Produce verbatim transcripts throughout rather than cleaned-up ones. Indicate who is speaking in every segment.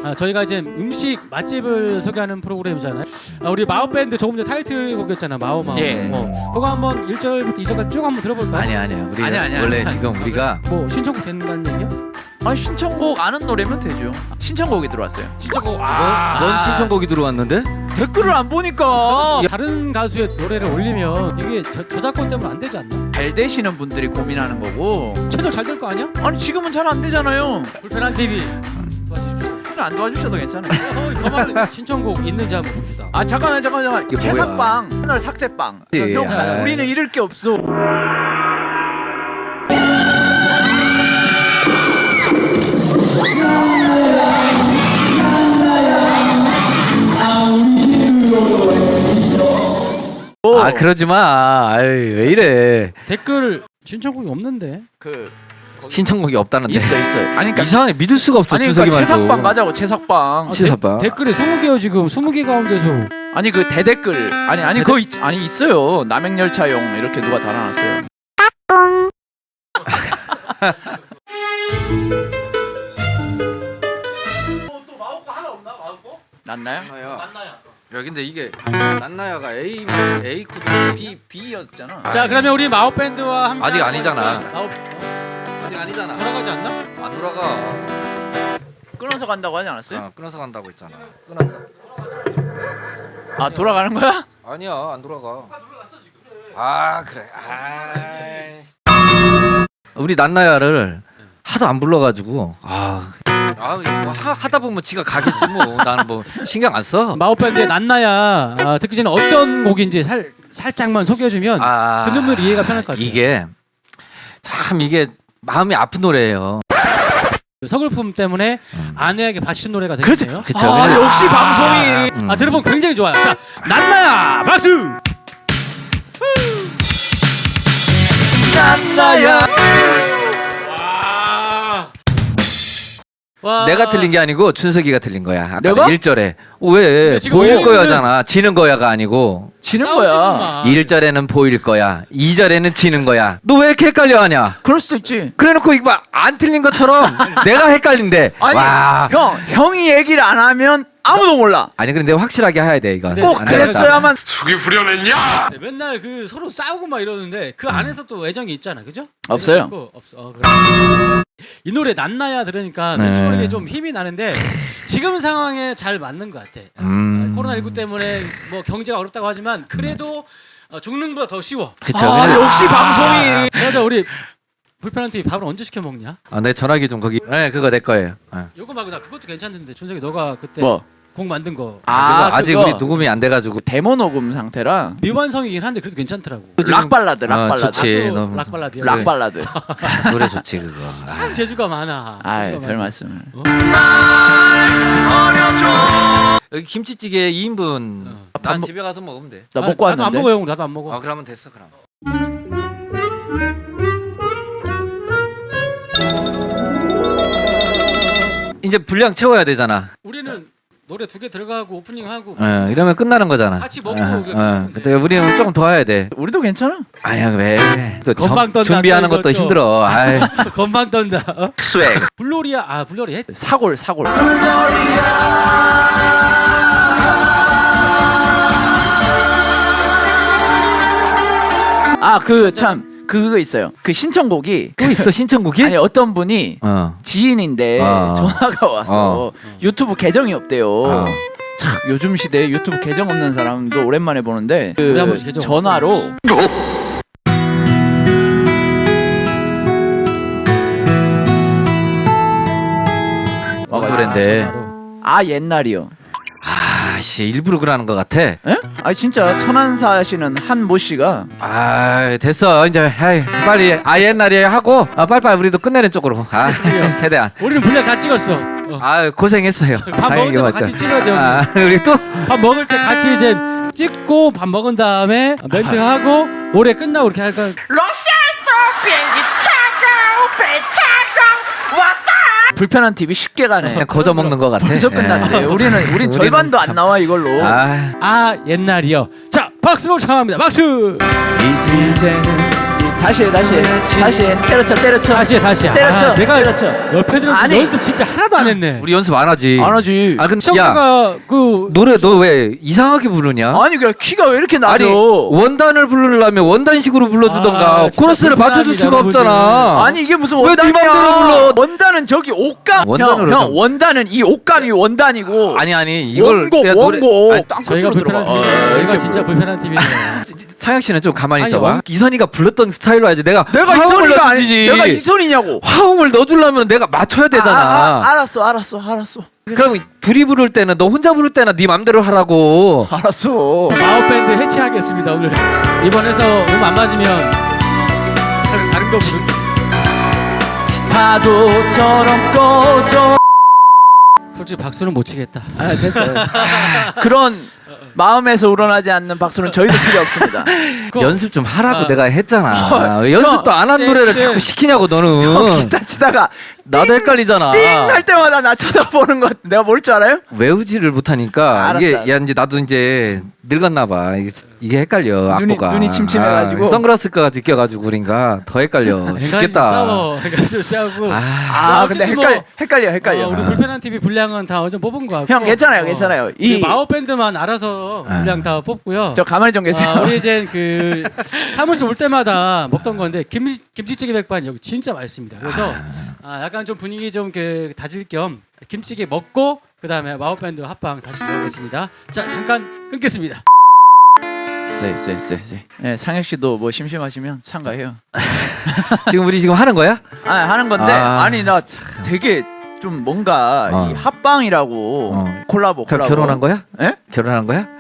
Speaker 1: 아, 저희가 이제 음식 맛집을 소개하는 프로그램이잖아요. 아, 우리 마오 밴드 조금 전에 타이틀곡이었잖아. 마오 마오.
Speaker 2: 예.
Speaker 1: 어. 그거 한번 일 절부터 이 절까지 쭉 한번 들어볼까요?
Speaker 3: 아니 아니야. 우리
Speaker 2: 아니, 아니,
Speaker 3: 원래
Speaker 2: 아니.
Speaker 3: 지금 우리가
Speaker 1: 뭐 신청곡 된다는 얘기야?
Speaker 2: 아 신청곡 아는 노래면 되죠. 신청곡이 들어왔어요.
Speaker 1: 신청곡.
Speaker 3: 아, 넌 신청곡이 들어왔는데?
Speaker 2: 댓글을 안 보니까
Speaker 1: 다른 가수의 노래를 올리면 이게 저, 저작권 때문에 안 되지 않나?
Speaker 2: 잘 되시는 분들이 고민하는 거고.
Speaker 1: 채널 잘 될 거 아니야?
Speaker 2: 아니 지금은 잘 안 되잖아요.
Speaker 1: 불편한 티비 도와주십시오.
Speaker 2: 안 도와주셔도 괜찮아요.
Speaker 1: 어, 가만 신청곡 있는지 한번 봅시다.
Speaker 2: 아 잠깐만 잠깐만 잠깐만.
Speaker 3: 이게
Speaker 2: 채삭빵 채널 삭제빵.
Speaker 3: 예,
Speaker 2: 형
Speaker 1: 아,
Speaker 2: 우리는 잃을 게 없어.
Speaker 3: 아 그러지 마. 아이, 왜 이래?
Speaker 1: 댓글 신청곡이 없는데.
Speaker 2: 그
Speaker 3: 신청곡이 없다는데.
Speaker 2: 있어 있어. 아니 그러니까
Speaker 3: 이상해. 믿을 수가 없어.
Speaker 2: 아니
Speaker 3: 준석이
Speaker 2: 그러니까
Speaker 3: 말도.
Speaker 2: 채삭빵 가자고 채삭빵.
Speaker 1: 아,
Speaker 3: 치사빵.
Speaker 1: 데, 댓글이 스무 개요 지금. 스무 개 가운데서.
Speaker 2: 아니 그 대댓글 아니 아니
Speaker 1: 대댓-
Speaker 2: 그거 있, 아니 있어요. 남행열차용 이렇게 누가 달아놨어요. 또 마우코 하나 없나 마우코? 낫나요?
Speaker 1: 맞나요?
Speaker 3: 야 근데 이게 난나야가 A A 코드
Speaker 2: B B였잖아.
Speaker 1: 자 그러면 우리 마오 밴드와 함께
Speaker 3: 아직 아니잖아.
Speaker 1: 마오
Speaker 3: 아직 아니잖아.
Speaker 1: 돌아가지 않나?
Speaker 3: 안 돌아가.
Speaker 2: 끊어서 간다고 하지 않았어요?
Speaker 3: 어, 끊어서 간다고 했잖아. 끊었어.
Speaker 2: 아 돌아가는 거야?
Speaker 3: 아니야 안 돌아가. 아 그래. 아. 우리 난나야를 하도 안 불러가지고 아. 아, 뭐 하, 하다 보면 지가 가겠지 뭐. 나는 뭐 신경 안 써.
Speaker 1: 마오 밴드의 난나야 아, 듣기 전에 어떤 곡인지 살 살짝만 소개해주면
Speaker 3: 아,
Speaker 1: 듣는 분들 이해가 편할 것 같아요.
Speaker 3: 이게 참 이게 마음이 아픈 노래예요.
Speaker 1: 서글픔 때문에
Speaker 3: 음.
Speaker 1: 아내에게 바치는 노래가
Speaker 2: 그렇죠.
Speaker 1: 되겠네요.
Speaker 3: 그쵸.
Speaker 2: 아
Speaker 3: 그래.
Speaker 2: 역시 방송이.
Speaker 3: 음.
Speaker 1: 아 들어보면 굉장히 좋아요. 자 난나야 박수.
Speaker 2: 난나야.
Speaker 1: 와.
Speaker 3: 내가 틀린 게 아니고 춘석이가 틀린 거야. 아까
Speaker 2: 내가?
Speaker 3: 일 절에. 왜?
Speaker 1: 근데 지금
Speaker 3: 보일
Speaker 1: 우리는-
Speaker 3: 거야잖아. 지는 거야가 아니고.
Speaker 2: 지는
Speaker 1: 싸우지
Speaker 2: 거야.
Speaker 1: 마.
Speaker 3: 일 절에는 보일 거야. 이 절에는 지는 거야. 너 왜 이렇게 헷갈려 하냐?
Speaker 2: 그럴 수도 있지.
Speaker 3: 그래놓고 이거 봐. 안 틀린 것처럼 내가 헷갈린대.
Speaker 2: 아니
Speaker 3: 와.
Speaker 2: 형 형이 얘기를 안 하면 아무도 몰라.
Speaker 3: 아니 근데 확실하게 해야 돼 이거.
Speaker 1: 네.
Speaker 2: 꼭
Speaker 3: 안 되겠다.
Speaker 2: 그랬어야만.
Speaker 4: 속이 후련했냐?
Speaker 1: 네, 맨날 그 서로 싸우고 막 이러는데 그 안에서 또 애정이 있잖아, 그죠?
Speaker 2: 없어요.
Speaker 1: 애정이 있고, 없어. 어, 그래. 이 노래 난나야 들으니까
Speaker 3: 네.
Speaker 1: 왠지 모르게 좀 힘이 나는데 지금 상황에 잘 맞는 것 같아.
Speaker 3: 음.
Speaker 1: 코로나십구 때문에 뭐 경제가 어렵다고 하지만 그래도 어, 죽는 것보다 더 쉬워.
Speaker 3: 그쵸.
Speaker 2: 아
Speaker 3: 근데-
Speaker 2: 역시 방송이.
Speaker 1: 맞아, 우리 불편한 TV 밥을 언제 시켜 먹냐?
Speaker 3: 아, 내 전화기 좀 거기. 네, 그거 내 거예요. 네.
Speaker 1: 요거 말고 나 그것도 괜찮은데 준석이 너가 그때
Speaker 2: 뭐?
Speaker 1: 곡 만든 거
Speaker 3: 그래서 아직
Speaker 2: 그거
Speaker 3: 우리 녹음이 안 돼가지고.
Speaker 2: 데모 녹음 상태라.
Speaker 1: 미완성이긴 한데 그래도 괜찮더라고.
Speaker 2: 락 발라드, 락
Speaker 3: 어,
Speaker 2: 발라드.
Speaker 3: 좋지.
Speaker 1: 또
Speaker 3: 너무-
Speaker 1: 락 발라드야.
Speaker 2: 락 발라드.
Speaker 3: 노래 좋지 그거.
Speaker 1: 참 재주가 많아.
Speaker 2: 아,
Speaker 1: 재주가
Speaker 2: 별
Speaker 1: 많지.
Speaker 2: 말씀을.
Speaker 3: 여기 김치찌개 이 인분.
Speaker 1: 어.
Speaker 3: 난
Speaker 2: 밥
Speaker 3: 집에 가서 먹으면 돼.
Speaker 2: 나
Speaker 1: 아,
Speaker 2: 먹고
Speaker 1: 나도 안
Speaker 2: 왔는데.
Speaker 1: 먹어 형. 나도 안 먹어.
Speaker 3: 아 그러면 됐어 그럼. 이제 분량 채워야 되잖아.
Speaker 1: 우리는 노래 두 개 들어가고 오프닝 하고
Speaker 3: 어, 이러면 끝나는 거잖아.
Speaker 1: 같이 먹고
Speaker 3: 어,
Speaker 1: 그게
Speaker 3: 어.
Speaker 1: 끝나는데.
Speaker 3: 근데 우리는 조금 더 해야 돼.
Speaker 2: 우리도 괜찮아.
Speaker 3: 아니야 왜? 또
Speaker 1: 건방 떤다,
Speaker 3: 준비하는
Speaker 1: 또
Speaker 3: 것도
Speaker 1: 이것도.
Speaker 3: 힘들어. 아이.
Speaker 1: 건방 떤다. 어?
Speaker 2: 스웩.
Speaker 1: 블로리아 아 블로리 했.
Speaker 2: 사골, 사골. 아, 그 참 그거 있어요. 그 신청곡이
Speaker 3: 또 있어 신청곡이?
Speaker 2: 아니 어떤 분이
Speaker 3: 어.
Speaker 2: 지인인데
Speaker 3: 어.
Speaker 2: 전화가 와서
Speaker 3: 어.
Speaker 2: 유튜브 계정이 없대요.
Speaker 3: 어.
Speaker 2: 참 요즘 시대에 유튜브 계정 없는 사람도 오랜만에 보는데 그
Speaker 1: 우리 아버지 계정
Speaker 2: 전화로 와가지고
Speaker 3: 노랜데.
Speaker 1: 전화로.
Speaker 2: 아 옛날이요.
Speaker 3: 아씨 일부러 그러는 것 같아.
Speaker 2: 에? 아 진짜 천안사 하시는 한 모 씨가
Speaker 3: 아 됐어 이제 에이, 빨리 아 옛날에 하고 아 빨리빨리 우리도 끝내는 쪽으로 아 세대안
Speaker 1: 우리는 분량 다 찍었어. 어.
Speaker 3: 아 고생했어요.
Speaker 1: 밥 먹을 때도 같이 찍어야 돼요.
Speaker 3: 아 우리 또
Speaker 1: 밥 먹을 때 같이 이제 찍고 밥 먹은 다음에 멘트 하고 노래 끝나고 이렇게 할까.
Speaker 5: 러시아에서 비행기 타고 배 타고 왔어.
Speaker 2: 불편한 티비 쉽게 가네.
Speaker 3: 그냥 거저 먹는 것 같아.
Speaker 2: 벌써 끝났대.
Speaker 3: 예.
Speaker 2: 우리는 우린
Speaker 3: 우리는
Speaker 2: 절반도 안
Speaker 3: 참-
Speaker 2: 나와 이걸로.
Speaker 3: 아
Speaker 1: 아 옛날이요. 자 박수로 청합니다. 박수.
Speaker 3: 이제는
Speaker 2: 다시 해 다시 해 다시 해 때려쳐 때려쳐
Speaker 1: 다시 해 다시 해.
Speaker 2: 때려쳐
Speaker 1: 아, 내가
Speaker 2: 때려쳐
Speaker 1: 옆에 들어서
Speaker 2: 아니.
Speaker 1: 연습 진짜 하나도 안 했네.
Speaker 3: 우리 연습 안 하지.
Speaker 2: 안 하지.
Speaker 3: 아 근데 야
Speaker 1: 시험가가 그
Speaker 3: 노래 너 왜 이상하게 부르냐?
Speaker 2: 아니 그 키가 왜 이렇게 낮아?
Speaker 3: 아니 원단을 부르려면 원단식으로 불러주던가
Speaker 1: 아, 진짜
Speaker 3: 코러스를 맞춰줄
Speaker 1: 불편합니다,
Speaker 3: 수가
Speaker 1: 여러분들.
Speaker 3: 없잖아.
Speaker 2: 아니 이게 무슨
Speaker 3: 왜네
Speaker 2: 원단이야?
Speaker 3: 맘대로 불러?
Speaker 2: 원단은 저기 옷감.
Speaker 3: 원단으로
Speaker 2: 형, 형
Speaker 3: 좀.
Speaker 2: 원단은 이 옷감이 원단이고.
Speaker 3: 아니 아니 이걸
Speaker 2: 원고
Speaker 3: 내가 노래-
Speaker 2: 원고.
Speaker 3: 아니,
Speaker 1: 저희가
Speaker 2: 땅끝으로
Speaker 1: 불편한
Speaker 2: 들어가.
Speaker 1: 팀이에요.
Speaker 2: 아,
Speaker 1: 저희가
Speaker 2: 이렇게
Speaker 1: 진짜
Speaker 2: 뭐.
Speaker 1: 불편한 팀이네요.
Speaker 3: 상혁 씨는 좀 가만히
Speaker 1: 아니,
Speaker 3: 있어봐.
Speaker 1: 원-
Speaker 3: 이선이가 불렀던 스타일로 해야지. 내가
Speaker 2: 내가
Speaker 3: 화음을
Speaker 2: 이선이가 아니.
Speaker 3: 넣어주지.
Speaker 2: 내가 이선이냐고.
Speaker 3: 화음을 넣어주려면 내가 맞춰야 되잖아.
Speaker 2: 아, 아, 알았어 알았어 알았어.
Speaker 3: 그럼 둘이 부를 때는 너 혼자 부를 때는 네 맘대로 하라고.
Speaker 2: 알았어.
Speaker 1: 마우밴드 해체하겠습니다 오늘. 이번에서 음 안 맞으면 다른, 다른 거 부를게.
Speaker 2: 파도처럼 꺼져.
Speaker 1: 솔직히 박수는 못 치겠다.
Speaker 2: 아 됐어요. 그런 마음에서 우러나지 않는 박수는 저희도 필요 없습니다.
Speaker 1: 그거-
Speaker 3: 연습 좀 하라고
Speaker 1: 아.
Speaker 3: 내가 했잖아.
Speaker 2: 어,
Speaker 3: 왜 연습도 안 한
Speaker 1: 쟤-
Speaker 3: 노래를
Speaker 1: 쟤-
Speaker 3: 자꾸 시키냐고 너는.
Speaker 2: 형 기타 치다가
Speaker 3: 나도 헷갈리잖아.
Speaker 2: 띵 할 때마다 나 쳐다보는 거 내가 모를 줄 알아요?
Speaker 3: 외우지를 못하니까
Speaker 2: 알았어,
Speaker 3: 이게
Speaker 2: 알았어.
Speaker 3: 야 이제 나도 이제 늙었나 봐. 이게, 이게 헷갈려.
Speaker 2: 눈이-
Speaker 3: 악보가.
Speaker 2: 눈이 침침해가지고.
Speaker 3: 아, 선글라스가 지껴가지고 그러니까 더 헷갈려. 죽겠다.
Speaker 1: 싸워. 해가지고 싸우고.
Speaker 3: 아,
Speaker 2: 아 근데
Speaker 1: 어쨌든
Speaker 2: 헷갈려
Speaker 1: 뭐-
Speaker 2: 헷갈려 헷갈려.
Speaker 1: 어, 우리 불편한 티비 분량은 다 어제 뽑은 거 같고.
Speaker 2: 형 괜찮아요 괜찮아요. 이
Speaker 1: 마우 밴드만 알아서
Speaker 3: 아.
Speaker 1: 분량 다 뽑고요.
Speaker 2: 저 가만히 좀 계세요.
Speaker 1: 아, 우리 이제 그 사무실 올 때마다 먹던 건데 김 김치찌개 백반 여기 진짜 맛있습니다. 그래서 아, 약간 좀 분위기 좀 그 다질 겸 김치찌개 먹고 그 다음에 마우 밴드 합방 다시 이어가겠습니다. 자 잠깐 끊겠습니다.
Speaker 2: 쎄쎄쎄쎄. 네, 상혁 씨도 뭐 심심하시면 참가해요.
Speaker 3: 지금 우리 지금 하는 거야?
Speaker 2: 아 하는 건데
Speaker 3: 아.
Speaker 2: 아. 니나 되게 좀 뭔가
Speaker 3: 어.
Speaker 2: 이 합방이라고
Speaker 3: 어.
Speaker 2: 콜라보
Speaker 3: 겨,
Speaker 2: 콜라보.
Speaker 3: 결혼한 거야?
Speaker 2: 예?
Speaker 3: 결혼한 거야?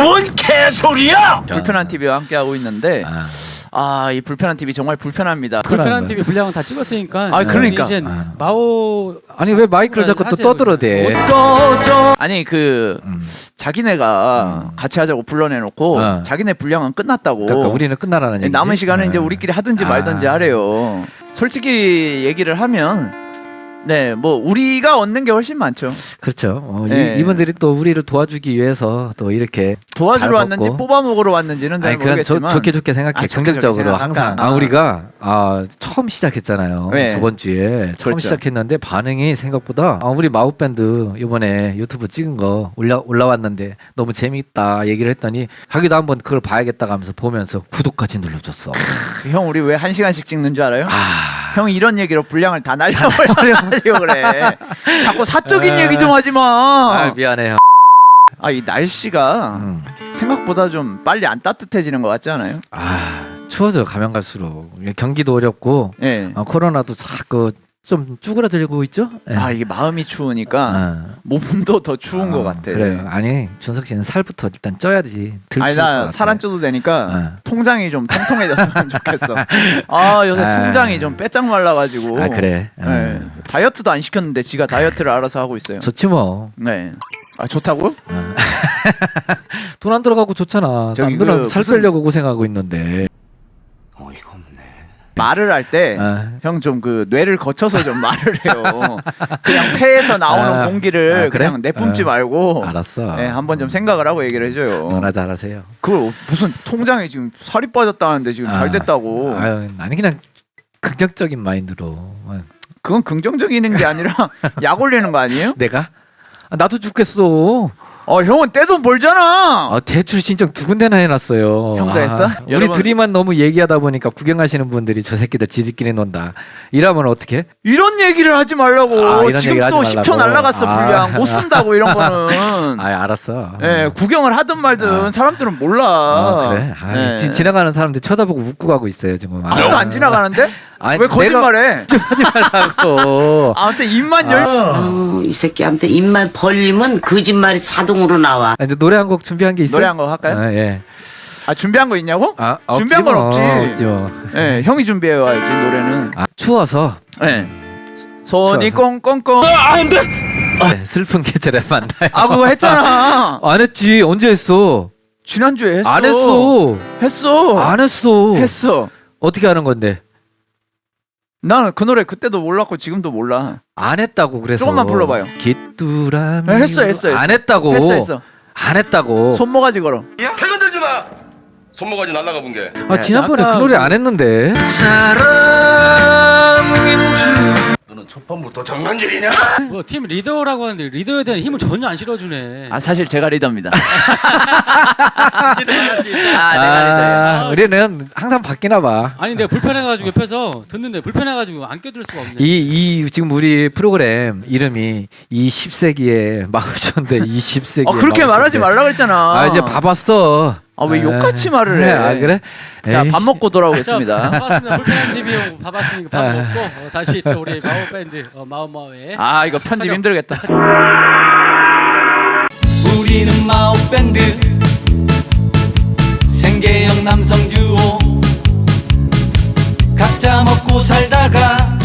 Speaker 2: 불편한 티비와 함께 하고 있는데
Speaker 3: 아.
Speaker 2: 아 이 불편한 티비 정말 불편합니다.
Speaker 1: 불편한
Speaker 3: 거야.
Speaker 1: 티비 분량은 다 찍었으니까.
Speaker 2: 아, 그러니까.
Speaker 1: 이제
Speaker 3: 아.
Speaker 1: 마오
Speaker 3: 아니 왜 마이크를 자꾸 또
Speaker 1: 하세요,
Speaker 3: 떠들어대?
Speaker 2: 꺼져. 아니 그
Speaker 3: 음.
Speaker 2: 자기네가 같이 하자고 불러내놓고
Speaker 3: 어.
Speaker 2: 자기네 분량은 끝났다고.
Speaker 3: 그러니까 우리는 끝나라는 얘기지.
Speaker 2: 남은 시간은
Speaker 3: 어.
Speaker 2: 이제 우리끼리 하든지
Speaker 3: 아.
Speaker 2: 말든지 하래요. 솔직히 얘기를 하면 네 뭐 우리가 얻는 게 훨씬 많죠.
Speaker 3: 그렇죠. 어,
Speaker 2: 네.
Speaker 3: 이, 이분들이 또 우리를 도와주기 위해서 또 이렇게
Speaker 2: 도와주러
Speaker 3: 잘
Speaker 2: 왔는지
Speaker 3: 먹고.
Speaker 2: 뽑아 먹으러 왔는지는 잘
Speaker 3: 아니 그냥 저,
Speaker 2: 모르겠지만
Speaker 3: 좋게 좋게 생각해.
Speaker 2: 아, 좋게
Speaker 3: 긍정적으로
Speaker 2: 좋게
Speaker 3: 항상.
Speaker 2: 생각할까?
Speaker 3: 아 우리가 아 처음 시작했잖아요.
Speaker 2: 네.
Speaker 3: 저번 주에 처음
Speaker 2: 그렇죠.
Speaker 3: 시작했는데 반응이 생각보다 아, 우리 마우 밴드 이번에 유튜브 찍은 거 올라 올라왔는데 너무 재밌다 얘기를 했더니 자기도 한번 그걸 봐야겠다 하면서 보면서 구독까지 눌러줬어.
Speaker 2: 형 우리 왜 한 시간씩 찍는 줄 알아요?
Speaker 3: 아
Speaker 2: 형이 이런 얘기로 분량을 다 날려버려가지고 그래. 자꾸 사적인 얘기 좀 하지
Speaker 3: 아,
Speaker 2: 마.
Speaker 3: 미안해요.
Speaker 2: 아 이 날씨가
Speaker 3: 음.
Speaker 2: 생각보다 좀 빨리 안 따뜻해지는 것 같지 않아요?
Speaker 3: 아 추워져 가면 갈수록 경기도 어렵고
Speaker 2: 예.
Speaker 3: 아, 코로나도 자꾸 좀 쭈그러들고 있죠. 예.
Speaker 2: 아 이게 마음이 추우니까
Speaker 3: 아.
Speaker 2: 몸도 더 추운 것
Speaker 3: 어,
Speaker 2: 같아.
Speaker 3: 그래요. 아니 준석 씨는 살부터 일단 쪄야지. 덜
Speaker 2: 아니
Speaker 3: 추울 것
Speaker 2: 나
Speaker 3: 같아.
Speaker 2: 살 안 쪄도 되니까
Speaker 3: 어.
Speaker 2: 통장이 좀 통통해졌으면 좋겠어. 아 요새
Speaker 3: 아.
Speaker 2: 통장이 좀 빼짝 말라가지고.
Speaker 3: 아 그래. 어.
Speaker 2: 네. 다이어트도 안 시켰는데 지가 다이어트를 알아서 하고 있어요.
Speaker 3: 좋지 뭐.
Speaker 2: 네. 아 좋다고요?
Speaker 3: 돈 안 들어가고 좋잖아.
Speaker 2: 저기
Speaker 3: 남들은
Speaker 2: 그
Speaker 3: 살
Speaker 2: 무슨-
Speaker 3: 빼려고 고생하고 있는데.
Speaker 2: 말을 할 때 형
Speaker 3: 아.
Speaker 2: 좀 그 뇌를 거쳐서 좀 말을 해요. 그냥 폐에서 나오는
Speaker 3: 아.
Speaker 2: 공기를
Speaker 3: 아, 그래?
Speaker 2: 그냥 내뿜지
Speaker 3: 어.
Speaker 2: 말고
Speaker 3: 알았어.
Speaker 2: 네, 한번 좀 생각을 하고 얘기를 해줘요.
Speaker 3: 너나 잘하세요.
Speaker 2: 그걸 무슨 통장에 지금 살이 빠졌다는데 지금 잘 됐다고.
Speaker 3: 아유, 나는 그냥 긍정적인 마인드로. 어.
Speaker 2: 그건 긍정적인 게 아니라 약 올리는 거 아니에요?
Speaker 3: 내가? 아, 나도 죽겠어.
Speaker 2: 어 형은 떼돈 벌잖아.
Speaker 3: 아, 대출 신청 두 군데나 해놨어요.
Speaker 2: 형도
Speaker 3: 아,
Speaker 2: 했어?
Speaker 3: 우리
Speaker 2: 여러분-
Speaker 3: 둘이만 너무 얘기하다 보니까 구경하시는 분들이 저 새끼들 지들끼리 논다. 이러면 어떻게?
Speaker 2: 이런 얘기를 하지 말라고.
Speaker 3: 아, 이런
Speaker 2: 지금
Speaker 3: 얘기를
Speaker 2: 또
Speaker 3: 하지
Speaker 2: 십 초
Speaker 3: 말라고.
Speaker 2: 날라갔어
Speaker 3: 아.
Speaker 2: 분량. 못 쓴다고 이런 거는.
Speaker 3: 아, 알았어.
Speaker 2: 예, 구경을 하든 말든
Speaker 3: 아.
Speaker 2: 사람들은 몰라.
Speaker 3: 아, 그래? 아,
Speaker 2: 네.
Speaker 3: 지, 지나가는 사람들 쳐다보고 웃고 가고 있어요 지금.
Speaker 2: 아무도 안 지나가는데?
Speaker 3: 아니,
Speaker 2: 왜 거짓말해?
Speaker 3: 좀 하지 말라고.
Speaker 2: 아무튼 입만 열.
Speaker 4: 아우, 이 새끼한테 입만 벌리면 거짓말이 자동으로 나와.
Speaker 3: 아, 이제 노래 한 곡 준비한 게 있어요?
Speaker 2: 노래 한 거 할까요?
Speaker 3: 아, 예.
Speaker 2: 아 준비한 거 있냐고?
Speaker 3: 아,
Speaker 2: 준비한 건 없지.
Speaker 3: 없지 뭐.
Speaker 2: 예, 형이 준비해 와야지 노래는.
Speaker 3: 아, 추워서
Speaker 2: 예. 손이
Speaker 3: 추워서.
Speaker 2: 꽁꽁꽁.
Speaker 3: 네, 슬픈 계절에 만나요.
Speaker 2: 아 그거 했잖아.
Speaker 3: 안 했지. 언제 했어?
Speaker 2: 지난주에 했어.
Speaker 3: 안 했어.
Speaker 2: 했어.
Speaker 3: 안 했어.
Speaker 2: 했어.
Speaker 3: 어떻게 하는 건데?
Speaker 2: 나는 그 노래 그때도 몰랐고 지금도 몰라.
Speaker 3: 안 했다고 그래서.
Speaker 2: 조금만 불러봐요.
Speaker 3: 깃두라미.
Speaker 2: 네, 했어, 했어, 했어.
Speaker 3: 안 했다고.
Speaker 2: 했어 했어.
Speaker 3: 안 했다고.
Speaker 2: 손모가지 걸어.
Speaker 6: 손모가지 날라가 본 게.
Speaker 3: 아 지난번에
Speaker 2: 아까
Speaker 3: 그 노래 안 했는데.
Speaker 6: 너는 첫 판부터 장난질이냐?
Speaker 1: 뭐 팀 리더라고 하는데 리더에 대한 힘을 전혀 안 실어주네.
Speaker 2: 아 사실 제가 리더입니다.
Speaker 1: 아,
Speaker 2: 아 내가 리더예요.
Speaker 3: 아, 우리는 항상 바뀌나 봐.
Speaker 1: 아니 내가 불편해가지고 옆에서 듣는데 불편해가지고 안 껴들 수가 없네.
Speaker 3: 이, 이 지금 우리 프로그램 이름이 이십 세기의 마우션데 이십 세기.
Speaker 2: 어 그렇게 말하지 말라 그랬잖아.
Speaker 3: 아 이제 봐봤어.
Speaker 2: 아, 왜
Speaker 3: 에이.
Speaker 2: 욕같이 말을 해?
Speaker 3: 아 그래?
Speaker 2: 자
Speaker 3: 에이.
Speaker 2: 밥 먹고 돌아오겠습니다.
Speaker 1: 반갑습니다. 불편한 티비 형 봐봤으니까 밥
Speaker 3: 아.
Speaker 1: 먹고 어, 다시 또 우리 마오 밴드 어, 마오마오의
Speaker 2: 아 이거 편집 힘들겠다.
Speaker 7: 우리는 마오밴드 생계형 남성 듀오 각자 먹고 살다가